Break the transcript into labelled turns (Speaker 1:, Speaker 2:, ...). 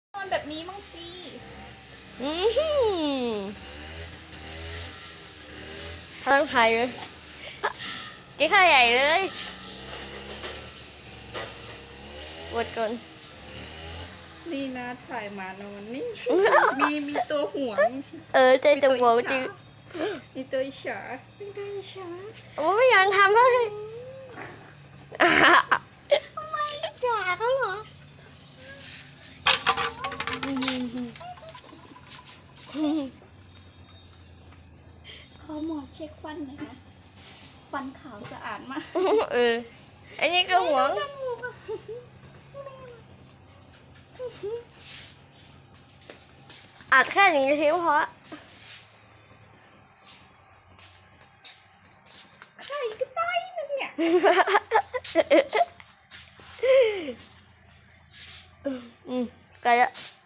Speaker 1: นอนแบบนี้มั้งสิ
Speaker 2: อืมทั้งไทยเลยกินข้าวใหญ่เลยกดก่อน
Speaker 1: นี่นะถ่ายมานอนนี่ มีตัวห่วง
Speaker 2: ใจจงบอกจริง
Speaker 1: มีตัวอิจฉามีตัวอิจฉา
Speaker 2: โอ้ไม่อยากทำเลยทำไมจ่าเขาเหรอ
Speaker 1: ขอหมอเช็คฟันหน่อยนะฟันขาวสะอาดมาก
Speaker 2: อันนี้ก็หวง
Speaker 1: จมูกอะ
Speaker 2: อัดแค่นี้ทีเพราะ
Speaker 1: ไข่ก็ได้นึงเนี่ย
Speaker 2: ไกลละ